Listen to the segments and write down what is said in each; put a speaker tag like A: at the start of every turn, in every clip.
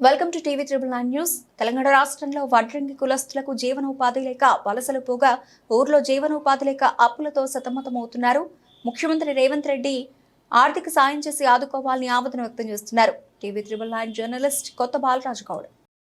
A: Welcome to TV 9 news. Telangana రాష్ట్రంలో వడ్రంగి కులస్తులకు జీవనోపాధి లేక వలసలు పోగా ఊర్లో జీవనోపాధి లేక అప్పులతో సతమతమవుతున్నారు. ముఖ్యమంత్రి రేవంత్ రెడ్డి ఆర్థిక సాయం చేసి ఆదుకోవాలని ఆవేదన వ్యక్తం చేస్తున్నారు. టీవీ 9 జర్నలిస్ట్ కొత్త బాలరాజు గౌడ్.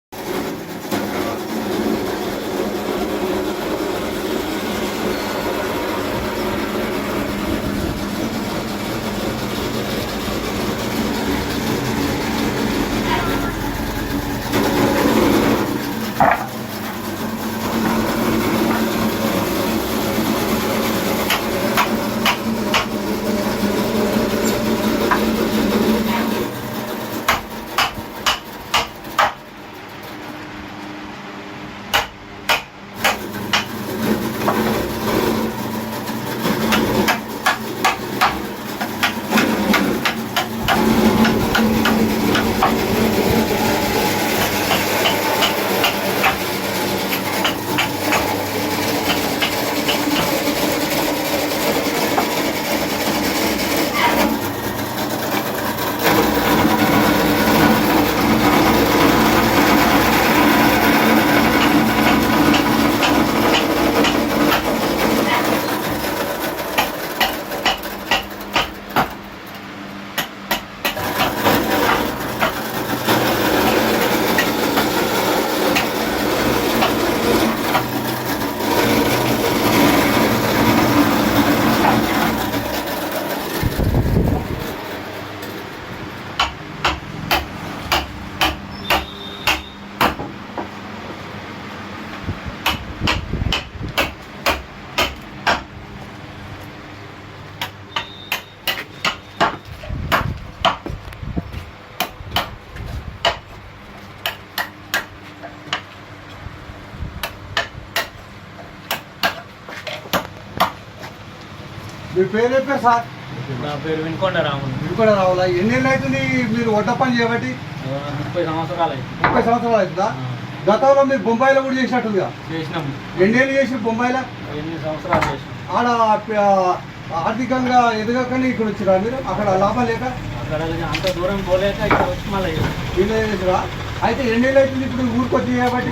B: మీ పేరు చెప్పారు సార్?
C: నా పేరు వినుకొండ రాములు.
B: వినుకొండ రావులా? ఎన్నేళ్ళు అవుతుంది మీరు వంట పని చేయబట్టి?
C: 30 సంవత్సరాలు అయింది.
B: 30 సంవత్సరాలు అవుతుందా? గతంలో మీరు బొంబాయిలో కూడా చేసినట్టుందిగా?
C: చేసినాము.
B: ఎన్నేళ్ళు చేసి బొంబాయిలో?
C: 8 సంవత్సరాలు చేసినాం.
B: ఆడ ఆర్థికంగా ఎదగకని ఇక్కడ వచ్చిరా మీరు? అక్కడ లాభం లేక
C: అక్కడ అంత దూరం పోలేక ఇక్కడ వచ్చి మళ్ళీ
B: వీళ్ళే చేసిరా? అయితే ఎన్నేళ్ళు అవుతుంది ఇప్పుడు ఊరికొచ్చి చేయబట్టి?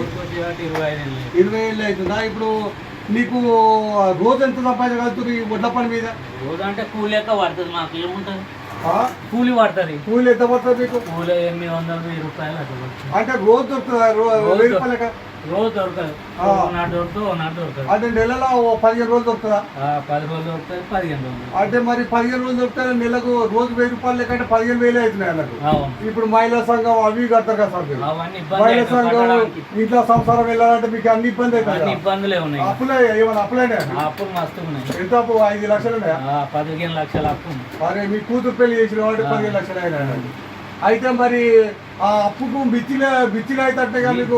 C: 25
B: ఏళ్ళు అవుతుందా? ఇప్పుడు నీకు రోజు ఎంత సంపాదించగలుగుతుంది ఈ వడ్ల పని మీద?
C: రోజు అంటే కూలి లెక్క పడుతుంది. మాకు ఏముంటుంది, కూలి పడుతుంది.
B: కూలి ఎంత పడుతుంది మీకు?
C: కూలి 800 రూపాయలు అట్లా పడుతుంది.
B: అంటే రోజు దొరుకుతుందా? 1000 రూపాయలక
C: రోజు దొరకదు. నాటు దొరుకుతుంది, నాటు దొరకదు.
B: అంటే నెలలో 15 రోజులు దొరుకుతుందా?
C: 10 రోజులు దొరుకుతుంది, 15 రోజులు.
B: అంటే మరి 15 రోజులు దొరుకుతాయి. నెలకు రోజు 1000 రూపాయలు లేకంటే 15,000 అవుతున్నాయి అన్నట్టు. ఇప్పుడు మహిళా సంఘం అవి కడతారు కదా సార్? మహిళా సంఘం ఇంట్లో సంసారం వెళ్ళాలంటే మీకు అన్ని ఇబ్బంది అవుతాయి.
C: ఇబ్బందులే ఉన్నాయి.
B: అప్పులే ఏమైనా అప్పులైనా?
C: అప్పులు మస్తు ఉన్నాయి.
B: ఎంత అప్పు? 5 లక్షలు ఉన్నాయా?
C: 15 లక్షల అప్పు.
B: మరి మీ కూతురు పెళ్లి చేసిన కాబట్టి 15 లక్షలు అయినా. అయితే మరి ఆ అప్పుకు మిత్తిలే అయితే మీకు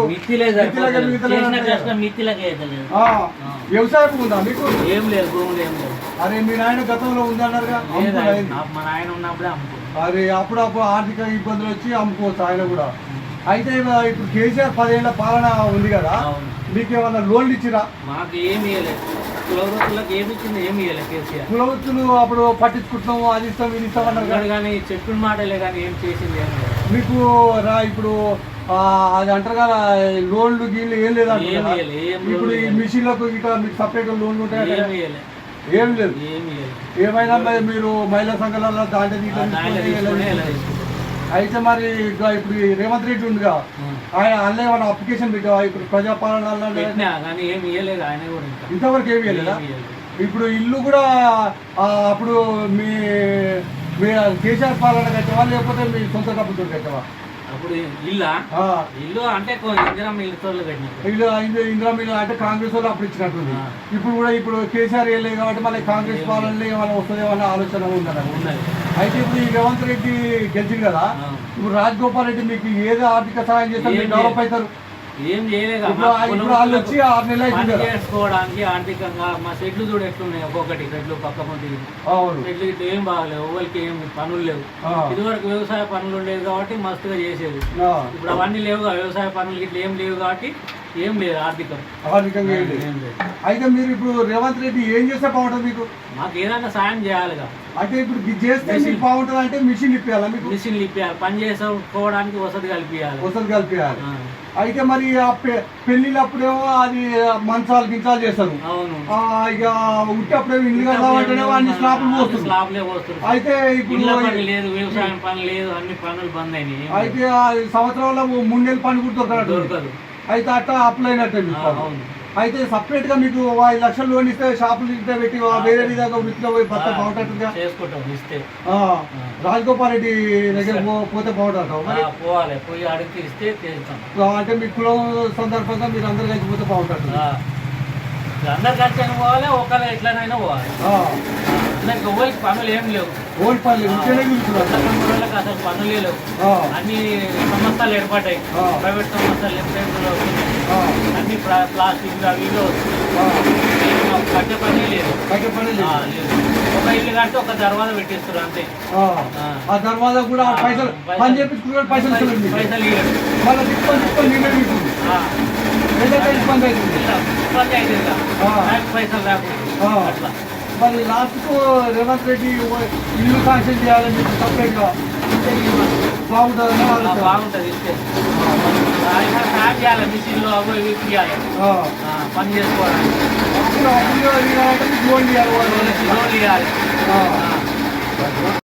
B: వ్యవసాయం ఉందా మీకు?
C: ఏం లేదు, భూములు ఏం లేదు.
B: అరే మీ నాయన గతంలో ఉందన్నారుగా?
C: మా నాయన ఉన్నప్పుడే అమ్ముకో.
B: అరే అప్పుడప్పుడు ఆర్థిక ఇబ్బందులు వచ్చి అమ్ముకోవచ్చు ఆయన కూడా. అయితే ఇప్పుడు కేసీఆర్ 10 ఏళ్ల పాలన ఉంది కదా, మీకు ఏమన్నా లోన్లు ఇచ్చిరా?
C: మాకు ఏమి ఇవ్వలేదు. కులవృత్తులకు ఏమి ఇచ్చింది? ఏమి ఇవ్వలేదు కేసీఆర్.
B: కులవృత్తులు అప్పుడు పట్టించుకుంటున్నాము, అది ఇస్తాం ఇది ఇస్తాం అన్నారు
C: కానీ చెప్పిన మాటలే కానీ ఏం చేసింది ఏం లేదు.
B: మీకు ఇప్పుడు అది అంటారు కదా లోన్లు గీన్లు ఏం లేదా? ఇప్పుడు ఈ మిషన్లకు ఇక మీకు సపరేట్ లోన్లు ఉంటాయి? ఏం లేదు. ఏమైనా మీరు మహిళా సంఘాలలో దాంట్లో. అయితే మరి ఇప్పుడు రేవంత్ రెడ్డి ఉందిగా, ఆయన అన్నీ ఏమైనా అప్లికేషన్ పెట్టావా ఇప్పుడు ప్రజాపాలన? ఇంతవరకు ఏమి ఇవ్వలేదా? ఇప్పుడు ఇల్లు కూడా అప్పుడు మీ కేసీఆర్ పాలన కట్టావా లేకపోతే మీ సొంత డబ్బుతో కట్టావా?
C: అప్పుడు ఇల్లు అంటే
B: ఇందిరా మిల్లు అంటే కాంగ్రెస్ వాళ్ళు అప్పుడు ఇచ్చినట్టుంది. ఇప్పుడు కూడా ఇప్పుడు కేసీఆర్ వెళ్ళలేదు కాబట్టి మళ్ళీ కాంగ్రెస్ పాలనలో ఏమైనా వస్తుందేమన్న ఆలోచన ఉందన్న. అయితే ఇప్పుడు ఈ రేవంత్ రెడ్డి గెలిచింది కదా, ఇప్పుడు రాజగోపాల్ రెడ్డి మీకు ఏదో ఆర్థిక సహాయం చేస్తారు, మీరు డెవలప్ అవుతారు.
C: ఏం చేయలేదు.
B: వాళ్ళు వచ్చి 6 నెలలు
C: చేసుకోవడానికి ఆర్థికంగా మా షెడ్లు చూడు ఎట్లున్నాయి. ఒక్కొక్కటి షెడ్లు పక్క పొంది షెడ్లు ఇట్లా ఏం బాగలేవు. ఎవరికి ఏం పనులు లేవు. ఇదివరకు వ్యవసాయ పనులు ఉండేవి కాబట్టి మస్తుగా చేసేది. ఇప్పుడు అవన్నీ లేవుగా. వ్యవసాయ పనులు ఇట్లా ఏం లేవు కాబట్టి ఏం లేదు ఆర్థికం
B: ఆర్థికంగా ఏం లేదు.
C: ఏం లేదు.
B: అయితే మీరు ఇప్పుడు రేవంత్ రెడ్డి ఏం చేస్తే బాగుంటుంది మీకు?
C: మాకు ఏదైనా సాయం చేయాలిగా.
B: అంటే ఇప్పుడు ఇది చేస్తే మీకు బాగుంటుంది అంటే మిషన్ ఇప్పియాలా మీకు?
C: మిషన్లు ఇప్పియాలి, పని చేసుకోవడానికి వసతి కల్పించాలి.
B: వసతి కలిపియాలి. అయితే మరి ఆ పెళ్లిళ్ళప్పుడేమో అది మంచాలు గించాలు చేస్తారు.
C: అవును.
B: ఇక ఉట్టప్పుడేమో ఇల్లు కడదామంటేనేమో అన్ని స్లాబ్లు పోస్తారు.
C: స్లాబ్లే పోస్తారు.
B: అయితే ఇప్పుడు
C: ఇళ్ళ పని లేదు, వ్యవసాయం పని లేదు, అన్ని పనులు బంద్ అయినాయి.
B: అయితే ఆ సంవత్సరంలో 3 నెలల పని కూడా
C: దొరకదు.
B: అయితే అట్లా అప్లై అయినట్టే మీకు.
C: అవును.
B: అయితే సపరేట్ గా మీకు 5 లక్షలు లోన్ ఇస్తే షాపులు ఇస్తే పెట్టి వేరే విధంగా వృత్తిలో పోయి భర్త బాగుంటుందిగా
C: చేసుకుంటాం ఇస్తే.
B: రాజగోపాల్ రెడ్డి దగ్గర పోతే బాగుంటుంది మరి.
C: పోవాలి, పోయి అడిగి ఇస్తే చేస్తాం.
B: అంటే మీ కులం సందర్భంగా మీరు అందరు కలిసి పోతే బాగుంటుంది.
C: అందరు కలిసి అయినా పోవాలి, ఒకళ్ళు ఎట్లనైనా పోవాలి. అందరికి ఎవరికి పనులు ఏం లేవు.
B: ఓల్డ్ పనులు ఇంట్లోనే కూర్చున్నారు.
C: అసలు పనులే లేవు. అన్ని సంస్థలు ఏర్పడ్డాయి, ప్రైవేట్ సంస్థలు అన్ని ప్లాస్టిక్ అవి కట్టే పనే లేదు. ఒక ఇల్లు కట్టి ఒక దర్వాజా పెట్టిస్తారు అంతే.
B: ఆ దర్వాజా కూడా పైసలు పని చేపించుకున్నారు, పైసలు
C: ఇవ్వరు.
B: మళ్ళీ తిప్పుకొని నీళ్ళే తీసుకుంది. ఏదైతే ఇబ్బంది అవుతుంది,
C: ఇబ్బంది అవుతుంది పైసలు రాకుండా అట్లా.
B: మరి లాస్ట్కు రేవంత్ రెడ్డి ఇల్లు శాంక్షన్ చేయాలని చెప్పి సపరేట్గా బాగుంటుంది.
C: బాగుంటుంది ఇస్తే సాయం చేయాలి, మిషన్లు అవి ఇవి ఇవ్వాలి, పని చేసుకోవడానికి.
B: లోన్ ఇవ్వాలి.
C: లోన్ ఇవ్వాలి.